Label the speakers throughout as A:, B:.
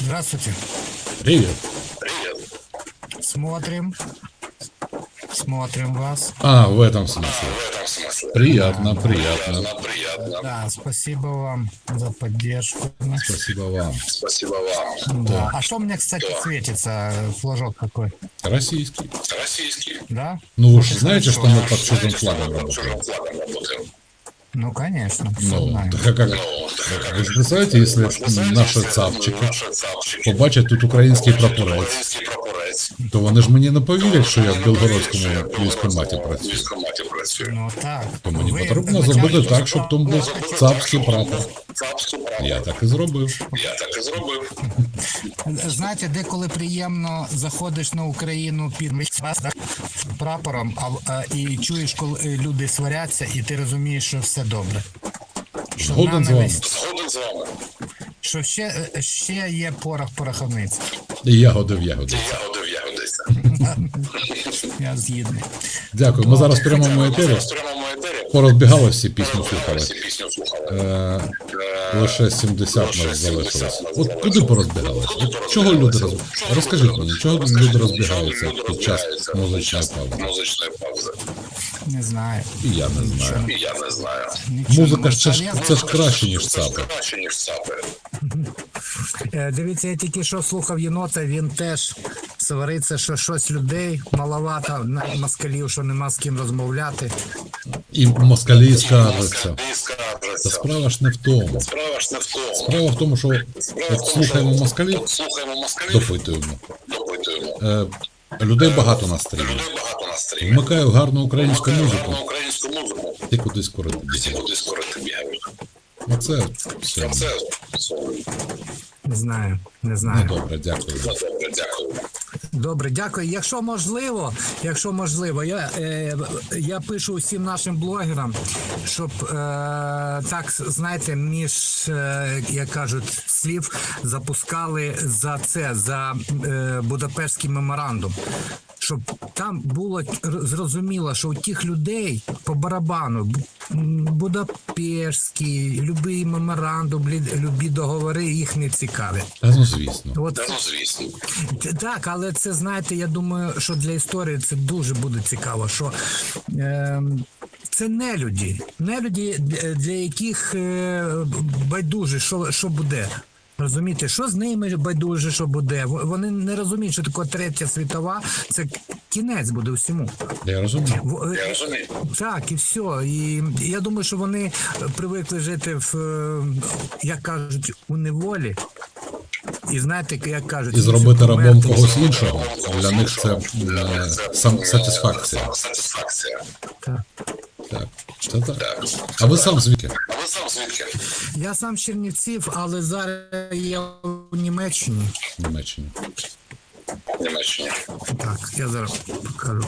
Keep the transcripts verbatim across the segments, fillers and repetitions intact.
A: Здравствуйте.
B: Привет.
C: Привет.
A: Смотрим. Смотрим вас.
B: А, в этом смысле.
C: В этом смысле.
B: Приятно, приятно.
C: Приятно, приятно.
A: Да, спасибо вам за поддержку.
B: Спасибо вам.
C: Спасибо вам.
A: Да. А что мне, кстати,
C: Да.
A: светится? Флажок какой?
B: Российский.
C: Российский.
A: Да?
B: Ну вы же знаете, что мы
A: хорошо.
B: под чужим
C: Знаете, что
B: флагом
C: мы под
B: работаем?
C: чужим флагом работаем?
A: Ну, конечно. всё
B: Ну,
A: знаем.
B: так а как?
C: Ну, так
B: Ви ж представляєте, якщо
C: знаете,
B: наші
C: если
B: цапчики
C: наши цапчики
B: побачать тут український
C: побачать
B: прапорець,
C: український прапорець,
B: то вони ж мені не повірять, що я в
C: що
B: Білгородському
C: я в
B: військкоматі
C: Білгородському
B: працюю.
C: військкоматі працюю.
A: Ну, так.
B: То мені
A: Ви
B: потрібно
A: начальник-
B: зробити так, щоб там був цапський прапор.
C: Цапський прапор.
B: Я так і зробив.
C: Я так і зробив.
A: Знаєте, деколи приємно заходиш на Україну під прапором, а, а, і чуєш, коли люди сваряться, і ти розумієш, що все добре. Що
B: Згоден з вами.
A: ненависть,
C: Згоден з вами.
A: що ще, ще є порох пороховниць.
B: І ягоди в ягоди.
C: Ягоди в ягодиця.
A: Я згідний.
B: Дякую. Ми зараз в прямому етері.
C: Зараз в прямому етері.
B: Порозбігали всі пісню слухали.
C: Всі пісню слухали.
B: Е,
C: Е,
B: Лише сімдесят
C: Лише
B: нас
C: сімдесят
B: залишилось.
C: нас
B: От
C: залишилось.
B: куди порозбігалися? От чого люди роз... Розкажіть мені, чого люди розбігаються
C: люди
B: під час
C: розбігаються
B: музичної
C: під час
B: паузи?
C: музичної паузи?
A: Не знаю.
B: І я не знаю.
C: І я не знаю.
A: Нічого
B: Музика
A: не
B: ж це ж,
A: можу.
B: це ж краще, ніж
C: Це ж
B: цапи.
C: краще, ніж цапи.
A: Е, Дивіться, я тільки що слухав єнота, він теж свариться, що щось людей маловато, на москалів, що нема з ким розмовляти.
B: І москалі скаржаться.
C: І
B: Та
C: скаржаться.
B: справа ж не в тому.
C: Справа ж не в тому.
B: Справа в тому, що
C: Справа в
B: от
C: тому,
B: слухаємо
C: що
B: москалів,
C: от слухаємо москалів,
B: допитуємо.
C: допитуємо.
B: Е, людей багато на стрімі.
C: Людей багато на стрімі.
B: Вмикаю гарну українську
C: Вмикаю
B: музику,
C: гарну українську музику.
B: і кудись курити
C: Всі
B: бігають.
C: куди скорити бігають.
B: Оце все.
C: А це все.
A: Не знаю, не
B: Ну
A: знаю.
B: добре, дякую.
C: Ну, добре, дякую.
A: Добре, дякую. Якщо можливо, якщо можливо, я, е, я пишу усім нашим блогерам, щоб е, так, знаєте, між, е, як кажуть, слів запускали за це, за е, Будапештський меморандум. Щоб там було зрозуміло, що у тих людей по барабану Б- Будапештський, любий меморандум, лі- любі договори їх не цікавлять.
B: Та ну звісно.
A: От
C: Та ну, звісно.
A: так, але це, знаєте, я думаю, що для історії це дуже буде цікаво, що е, це не люди, не люди, для, для яких е, байдуже, що, що буде. Розумієте, що з ними байдуже, що буде. В- Вони не розуміють, що таке третя світова, це кінець буде всьому.
B: Я розумію.
A: В- е,
C: Я розумію.
A: Так, і все. І я думаю, що вони привикли жити в, е, як кажуть, у неволі. І знаєте, як кажуть,
B: І зробити рабом
A: померти.
B: когось іншого, для них це е, сам сатисфакція.
C: Сатисфакція.
A: Так.
B: Так, це так. А ви сам звідки?
C: А ви сам звідки?
A: Я сам з Чернівців, але зараз я у Німеччині.
B: В Німеччині.
C: В Німеччині.
A: Так, я зараз покажу.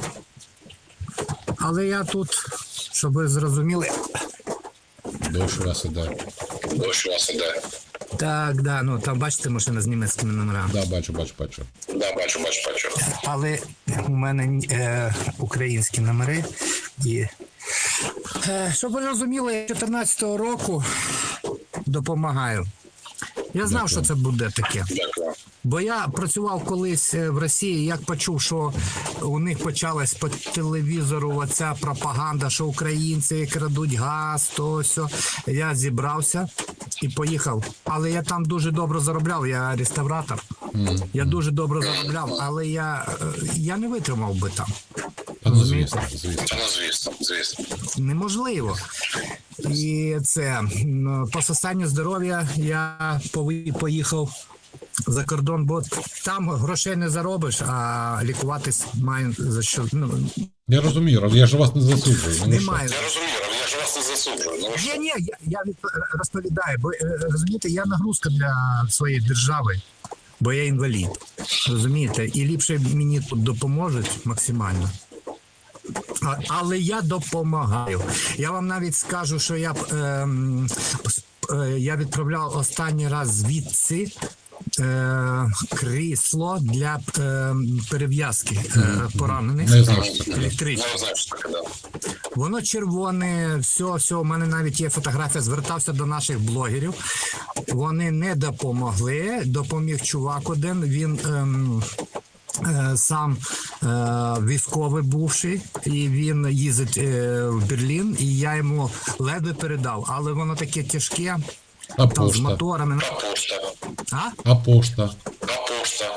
A: Але я тут, щоб ви зрозуміли.
B: Дощ у вас іде.
C: Дощ у вас іде.
A: Так, да, ну там бачите машина з німецькими номерами.
B: Да, бачу, бачу, бачу.
C: Да, бачу, бачу, бачу.
A: Але у мене е, українські номери. І, е, щоб ви розуміли, я чотирнадцятого року допомагаю. Я знав, що це буде таке.
C: Дякую.
A: Бо я працював колись е, в Росії, як почув, що у них почалась по телевізору оця пропаганда, що українці крадуть газ, то все. Я зібрався і поїхав. Але я там дуже добре заробляв, я реставратор. Я дуже добре заробляв, але я, е, я не витримав би там.
B: Та ну звісно, звісно.
C: Та ну, звісно, звісно.
A: Неможливо. І це м, по состоянню здоров'я я пови- поїхав за кордон, бо там грошей не заробиш, а лікуватись маю за що. Ну,
B: Я розумію, я ж вас не засуджую. Ну, що?
A: немає.
C: Я розумію, але я ж вас не засуджую. Ну,
A: Ні, ні, я, я від- розповідаю, бо е, розумієте, я нагрузка для своєї держави, бо я інвалід. Розумієте, і ліпше мені тут допоможуть максимально. А- Але я допомагаю. Я вам навіть скажу, що я б, ем, с- е, я відправляв останній раз звідси е, крісло для е, перев'язки е, поранених.
B: Не знаю, що це таке.
A: Електричне.
C: я знаю, що таке, да.
A: Воно червоне, все, все, у мене навіть є фотографія, звертався до наших блогерів. Вони не допомогли, допоміг чувак один, він ем, е, сам е, військовий бувший, і він їздить е, в Берлін, і я йому ледве передав, але воно таке тяжке,
B: А
A: там з
B: пошта?
A: моторами.
C: А пошта?
A: А?
B: А пошта?
C: А пошта?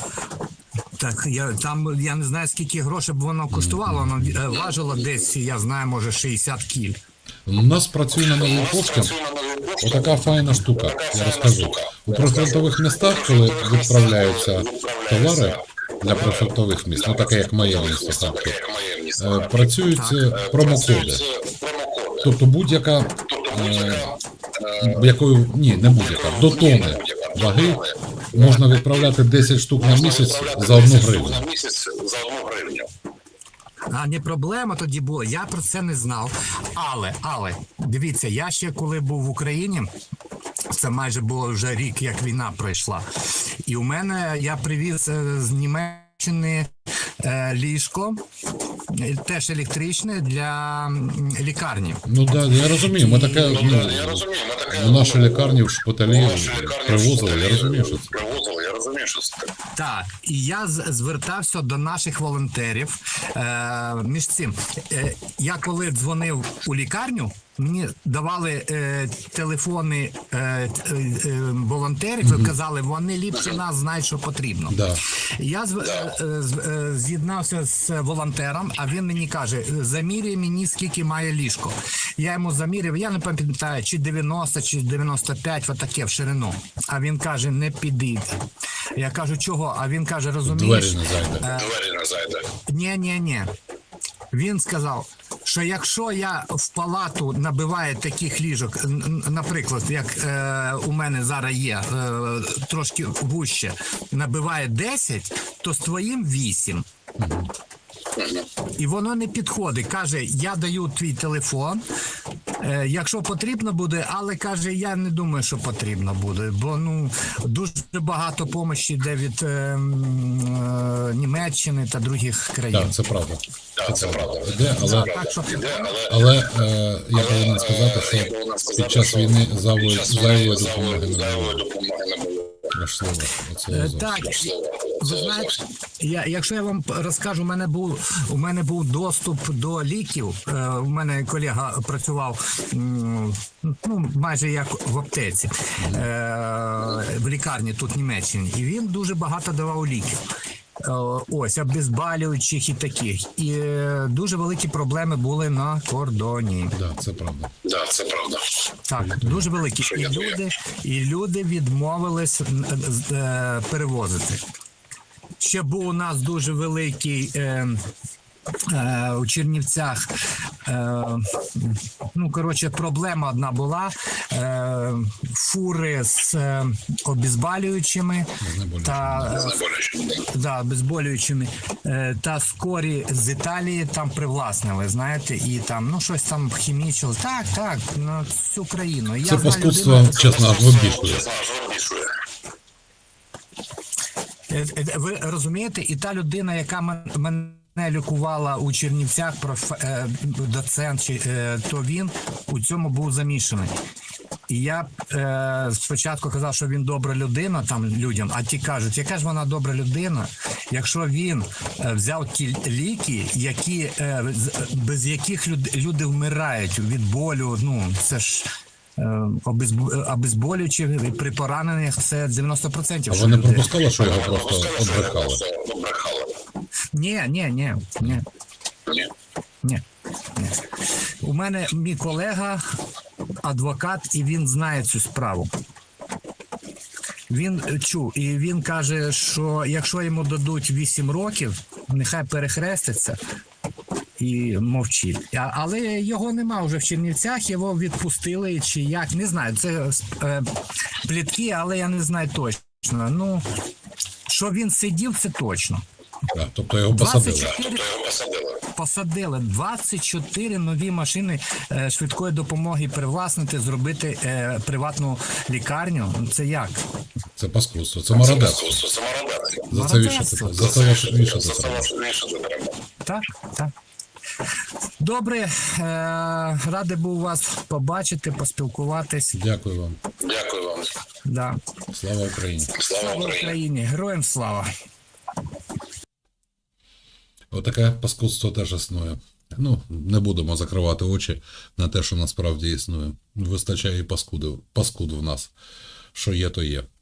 A: Так, я там я не знаю, скільки грошей б воно коштувало, воно е, важило десь, я знаю, може шістдесят кіль.
B: У нас працює на новій пошті отака файна штука, я розкажу. У прифронтових містах, коли відправляються товари для прифронтових міст, ну таке як моє місто Харків, е, працюють е, промокоди. Тобто будь-яка, е, якою, ні, не будь-яка, до тони ваги можна відправляти десять штук на місяць за одну гривню.
C: На місяць за одну гривню.
A: А не проблема тоді була. Я про це не знав. Але, але, дивіться, я ще коли був в Україні, це майже було вже рік, як війна пройшла. І у мене я привіз е, з Німеччини е, ліжко, е, теж електричне для м, лікарні.
B: Ну так, да, я розумію, ми таке,
C: Ну,
B: ну,
C: да, я розумію, ми таке...
B: в наші лікарні в шпиталі
C: Наші лікарні
B: привозили, я
C: в
B: розумію, що це.
C: Привозили, я розумію, що це таке.
A: Так, і я з- звертався до наших волонтерів. Е, між цим, е, я коли дзвонив у лікарню, мені давали е, телефони е, е, е, волонтерів і казали, вони ліпше нас знають, що потрібно.
B: Да.
A: Я зв- е, е, з- е, з'єднався з волонтером, а він мені каже, заміряй мені, скільки має ліжко. Я йому заміряв, я не пам'ятаю, чи дев'яносто, чи дев'яносто п'ять, отаке в ширину. А він каже, не підійде. Я кажу, чого? А він каже, розумієш,
B: Двері не зайде.
C: Двері не зайде.
A: ні, ні, ні. Він сказав, що якщо я в палату набиваю таких ліжок, н- н- наприклад, як е, у мене зараз є, е, трошки вуще, набиває десять, то з твоїм вісім. І воно не підходить. Каже, я даю твій телефон, е, якщо потрібно буде, але каже, я не думаю, що потрібно буде, бо ну дуже багато допомоги йде від е, м, е, Німеччини та других країн.
B: Так, це правда.
C: Так, це правда.
B: Іде, але,
A: Так що
C: Іде, але...
B: але е, я повинен сказати,
C: Я
B: що
C: повинен сказати,
B: під час
C: що
B: війни зайвої
C: під час війни
B: зайвої
C: зайвої-
B: допомоги не
C: зайвої
B: було.
C: допомоги не було.
B: Важливо. Оце
A: Е,
B: зовсім.
A: Так,
C: Важливо.
A: ви
C: Це
A: знаєте,
C: зовсім.
A: я, якщо я вам розкажу, у мене був у мене був доступ до ліків. Е, у мене колега працював м, ну, майже як в аптеці е, в лікарні тут в Німеччині, і він дуже багато давав ліків. Е, Ось обезболюючих і таких. І е, дуже великі проблеми були на кордоні.
B: Да, це правда.
C: Да, це правда.
A: Так, дуже великі. І
C: я твоя?
A: люди, і люди відмовились м, з- е, перевозити. Ще був у нас дуже великий е, е, у Чернівцях. Е, ну, коротше, проблема одна була. Е, фури з е, обезболюючими та е,
C: Знеболюючим.
A: да, обезболюючими, е, та скорі з Італії там привласнили, знаєте, і там, ну, щось там хімічили. Так, так, на всю країну. Я
B: Це
A: знаю
B: паскудство,
A: людину,
B: чесно, аж вибішує.
C: Чесно, аж вибішує.
A: Е, е, ви розумієте, і та людина, яка мен- мене лікувала у Чернівцях, проф, е, доцент, чи, е, то він у цьому був замішаний. І я е, спочатку казав, що він добра людина там людям, а ті кажуть, яка ж вона добра людина, якщо він е, взяв ті ліки, які, е, з- без яких люд, люди вмирають від болю, ну це ж е, обезбо- обезболюючі при пораненнях це дев'яносто відсотків.
B: А
A: що
B: ви не
A: люди-
B: пропускали, що його просто
C: Пропускали, що його
B: обрехали?
C: просто обрехали.
A: Ні, ні, ні, ні.
C: Ні.
A: Ні, ні. У мене мій колега адвокат, і він знає цю справу. Він е, чув, і він каже, що якщо йому дадуть вісім років, нехай перехреститься і мовчить. А, але його нема вже в Чернівцях, його відпустили чи як, не знаю. Це е, плітки, але я не знаю точно. Ну, що він сидів, це точно.
B: Да, тобто його посадили.
A: двадцять чотири
C: Тобто його посадили.
A: Посадили двадцять чотири нові машини е, швидкої допомоги привласнити, зробити е, приватну лікарню. Це як?
B: Це паскудство, це
C: Це
B: мародерство.
C: мародерство. Це мародерство.
B: За це вішати,
A: Мародерство.
B: за це вішати
C: За це
B: треба.
C: вішати треба.
A: Так, так. Добре, е, радий був вас побачити, поспілкуватись.
B: Дякую вам.
C: Дякую вам.
A: Да.
B: Слава Україні.
C: Слава
A: Слава
C: Україні.
A: Україні! Героям слава!
B: Отаке паскудство теж існує. Ну, не будемо закривати очі на те, що насправді існує. Вистачає і паскудів, паскуд в нас. Що є, то є.